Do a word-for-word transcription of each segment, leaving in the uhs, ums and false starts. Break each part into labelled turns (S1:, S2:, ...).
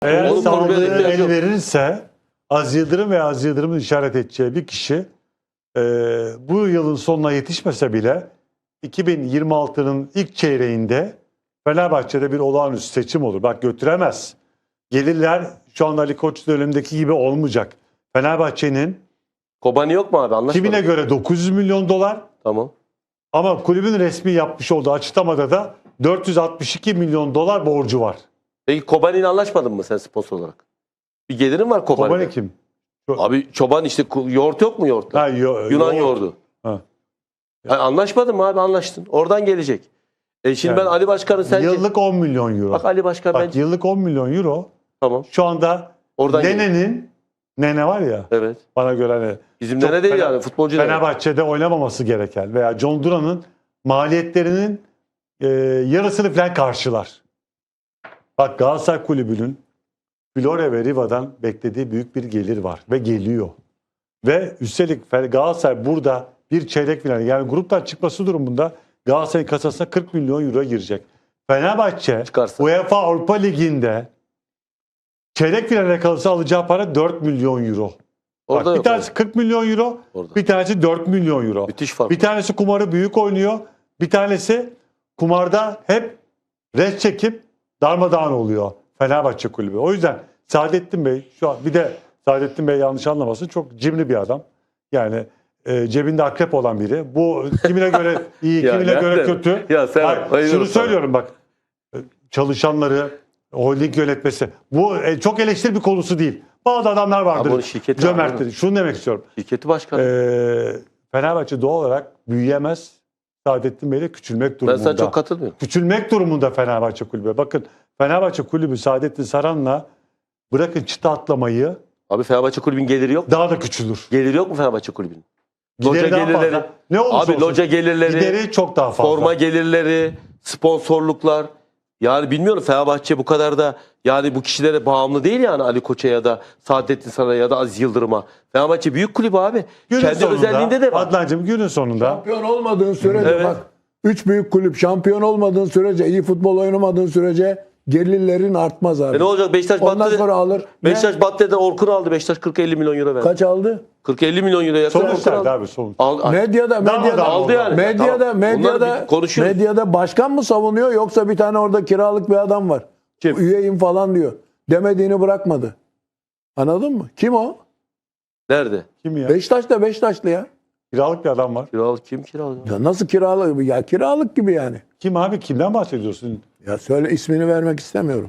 S1: Eğer
S2: Oğlum,
S1: sağlığı
S2: kulübe de ihtiyaç
S1: el
S2: yok.
S1: verirse Aziz Yıldırım ve Aziz Yıldırım'ın işaret edeceği bir kişi e, bu yılın sonuna yetişmese bile iki bin yirmi altının ilk çeyreğinde Fenerbahçe'de bir olağanüstü seçim olur. Bak götüremez. Gelirler şu anda Ali Koç dönemindeki gibi olmayacak. Fenerbahçe'nin
S2: Kobani yok mu abi? Anlaşmadık.
S1: kimine göre dokuz yüz milyon dolar
S2: Tamam.
S1: ama kulübün resmi yapmış olduğu açıklamada da dört yüz altmış iki milyon dolar borcu var.
S2: Peki Kobani ile anlaşmadın mı sen sponsor olarak? Bir gelirin var Kobani'de.
S1: Kobani kim?
S2: Abi çoban işte ku- yoğurt yok mu yoğurtta?
S1: Ha, yo-
S2: Yunan
S1: yoğurt.
S2: yoğurdu.
S1: Ha.
S2: Ha, anlaşmadın mı abi? Anlaştın. Oradan gelecek. E şimdi
S1: Yani
S2: ben Ali Başkan'ın sence...
S1: Yıllık on milyon euro.
S2: Bak Ali Başkan
S1: Bak
S2: bence...
S1: yıllık on milyon euro.
S2: Tamam.
S1: Şu anda
S2: Oradan gelecek.
S1: Nene'nin Nene var ya
S2: Evet.
S1: bana göre hani
S2: Bizim
S1: çok
S2: nene değil
S1: Fener-
S2: yani futbolcu nene.
S1: Fenerbahçe'de oynamaması gereken veya John Duran'ın maliyetlerinin e, yarısını falan karşılar. Bak Galatasaray Kulübü'nün Flore ve Riva'dan beklediği büyük bir gelir var ve geliyor. Ve üstelik Galatasaray burada bir çeyrek final yani gruptan çıkması durumunda Galatasaray'ın kasasına kırk milyon euro girecek. Fenerbahçe
S2: Çıkarsa.
S1: UEFA Avrupa Ligi'nde çeyrek finale kalırsa alacağı para dört milyon euro.
S2: Orada
S1: Bak, bir
S2: yok
S1: tanesi kırk milyon euro,
S2: Orada.
S1: bir tanesi dört milyon euro.
S2: Müthiş fark.
S1: Bir tanesi kumarı büyük oynuyor, bir tanesi kumarda hep res çekip darmadağın oluyor Fenerbahçe Kulübü. O yüzden Saadettin Bey şu an bir de Saadettin Bey yanlış anlamasın çok cimri bir adam. Yani e, cebinde akrep olan biri. Bu kimine göre iyi,
S2: Ya
S1: kimine göre
S2: nerede?
S1: kötü.
S2: Ya sen
S1: Bak,
S2: bayılıyorum
S1: şunu
S2: sana.
S1: söylüyorum bak. Çalışanları, holding yönetmesi. Bu e, çok eleştiri bir konusu değil. Bazı adamlar vardır.
S2: Ama onun şirketi
S1: Cömerttir.
S2: abi.
S1: Şunu demek istiyorum.
S2: Şirketi başkanı.
S1: Ee, Fenerbahçe doğal olarak büyüyemez. Saadettin Bey'le küçülmek
S2: ben
S1: durumunda.
S2: sana çok katılmıyorum.
S1: Küçülmek durumunda Fenerbahçe Kulübü. Bakın Fenerbahçe Kulübü Saadettin Saran'la bırakın çıta atlamayı
S2: Abi Fenerbahçe kulübün geliri yok.
S1: daha da küçülür.
S2: Geliri yok mu Fenerbahçe kulübünün? Loca
S1: Gideri daha
S2: gelirleri.
S1: fazla. Ne olursa
S2: Abi
S1: olsun.
S2: loca gelirleri,
S1: Gideri çok daha fazla.
S2: forma gelirleri, sponsorluklar. Yani bilmiyorum Fenerbahçe bu kadar da yani bu kişilere bağımlı değil yani Ali Koç'a ya da Saadettin Saran'a ya da Aziz Yıldırım'a. Fenerbahçe büyük kulüp abi.
S1: Günün
S2: Kendi
S1: sonunda,
S2: özelliğinde de var.
S1: Adnancığım günün sonunda
S3: Şampiyon olmadığın sürece
S2: Evet.
S3: bak üç büyük kulüp şampiyon olmadığın sürece iyi futbol oynamadığın sürece gelirlerin artmaz abi.
S2: E ne olacak Beşiktaş
S3: Ondan
S2: battı.
S3: sonra alır.
S2: Beşiktaş
S3: Ne?
S2: Battı'da Orkun aldı. Beşiktaş kırk elli milyon euro verdi.
S3: Kaç aldı?
S2: kırk elli milyon euro yakın
S1: sonuç
S2: Orkun
S1: verdi
S2: aldı.
S1: abi sonuç.
S2: Al,
S3: Medyada
S1: Daha
S3: medyada
S1: da
S2: aldı yani.
S3: Medyada
S2: Tamam. Bunları
S3: medyada
S2: bir konuşuyoruz.
S3: medyada başkan mı savunuyor yoksa bir tane orada kiralık bir adam var.
S2: Kim?
S3: Üyeyim falan diyor. Demediğini bırakmadı. Anladın mı? Kim o?
S2: Nerede?
S1: Kim ya?
S3: Beşiktaş'ta Beşiktaşlı ya.
S1: Kiralık bir adam var.
S2: Kiralık kim kiralık?
S3: Ya nasıl kiralık? Ya kiralık gibi yani.
S1: Kim abi? Kimden bahsediyorsun?
S3: Ya söyle ismini vermek istemiyorum.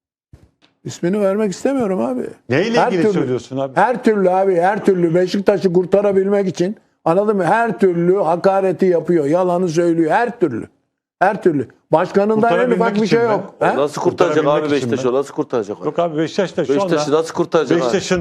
S3: İsmini vermek istemiyorum abi.
S1: Neyle
S3: Her
S1: ilgili
S3: türlü.
S1: söylüyorsun abi?
S3: Her türlü abi her türlü Beşiktaş'ı kurtarabilmek için anladın mı? Her türlü hakareti yapıyor. Yalanı söylüyor. Her türlü. Her türlü. Başkanından en
S1: Kurtarabilmek
S3: ufak bir
S1: için
S3: şey
S1: mi?
S3: yok.
S2: O
S3: He?
S2: nasıl kurtaracak
S1: Kurtarabilmek
S2: abi
S1: için
S2: Beşiktaş'ı?
S1: mi?
S2: O nasıl kurtaracak?
S1: Yok abi Beşiktaş'ta şu
S2: Beşiktaş'ı
S1: anda
S2: nasıl kurtaracak abi?
S1: Beşiktaş'ın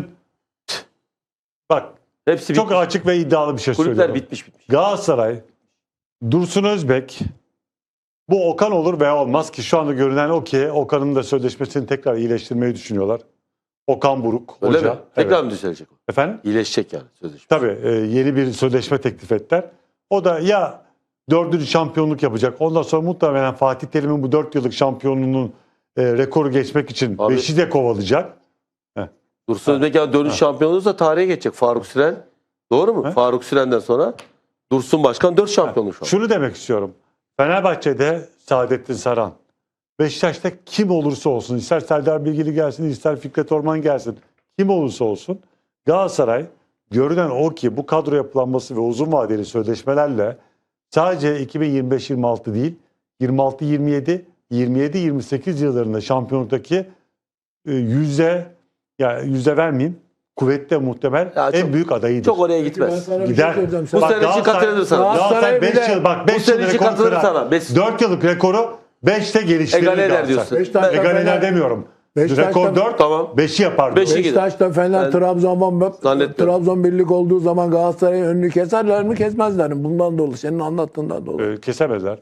S1: bak
S2: Hepsi
S1: çok
S2: bitmiş.
S1: açık ve iddialı bir şey
S2: Kulüpler
S1: söylüyorum.
S2: bitmiş bitmiş.
S1: Galatasaray, Dursun Özbek, bu Okan olur veya olmaz ki şu anda görünen o ki Okan'ın da sözleşmesini tekrar iyileştirmeyi düşünüyorlar. Okan Buruk
S2: Öyle
S1: hoca.
S2: mi? Tekrar
S1: Evet.
S2: mı düzelecek o?
S1: Efendim?
S2: İyileşecek yani sözleşme.
S1: Tabii e, yeni bir sözleşme teklif ettiler. O da ya dördüncü şampiyonluk yapacak. Ondan sonra muhtemelen Fatih Terim'in bu dört yıllık şampiyonluğunun e, rekoru geçmek için
S2: Abi-
S1: beşi de kovalayacak.
S2: Dursun Özbek yani dönüş şampiyon olursa tarihe geçecek. Faruk Süren. Doğru mu?
S1: He?
S2: Faruk Süren'den sonra Dursun Başkan dört şampiyonluk şu an.
S1: Şunu demek istiyorum. Fenerbahçe'de Saadettin Saran, Beşiktaş'ta kim olursa olsun, ister Serdar Bilgili gelsin, ister Fikret Orman gelsin, kim olursa olsun Galatasaray görünen o ki bu kadro yapılanması ve uzun vadeli sözleşmelerle sadece iki bin yirmi beş yirmi altı değil, yirmi altı yirmi yedi, yirmi yedi yirmi sekiz yıllarında şampiyonluktaki e, yüzde yani yüzde vermeyeyim, kuvvetle muhtemel
S2: Ya
S1: en
S2: çok-
S1: büyük adayıdır.
S2: Çok oraya
S3: Ben
S2: gitmez.
S3: sana bir
S1: Gider.
S3: şey söyleyeceğim.
S2: Bu
S3: Sen-
S2: sene için
S1: Galatasaray-
S2: katılır sana.
S3: Galatasaray
S1: Galatasaray
S3: bir
S1: beş
S3: de-
S1: yıl bak
S2: bu
S1: beş
S2: sene
S1: yıl
S2: için
S1: rekor
S2: katılır
S1: kırar.
S2: sana. Beş-
S1: dört yıllık rekoru beşte geliştirir.
S2: Egale eder
S1: Galatasaray.
S2: diyorsun.
S3: Beşiktaş'ta
S1: Egale eder
S3: Fener-
S1: demiyorum.
S3: Beşiktaş'ta-
S1: Rekor dört,
S2: Tamam.
S1: beşi yapar.
S2: Beşi-
S3: Beşiktaş'ta Fener
S2: Ben
S3: Trabzon
S2: zannetmiyorum.
S3: Trabzon birlik olduğu zaman Galatasaray'ın önünü keserler mi kesmezler mi? Bundan dolayı senin anlattığından dolayı.
S1: Ee, kesemezler.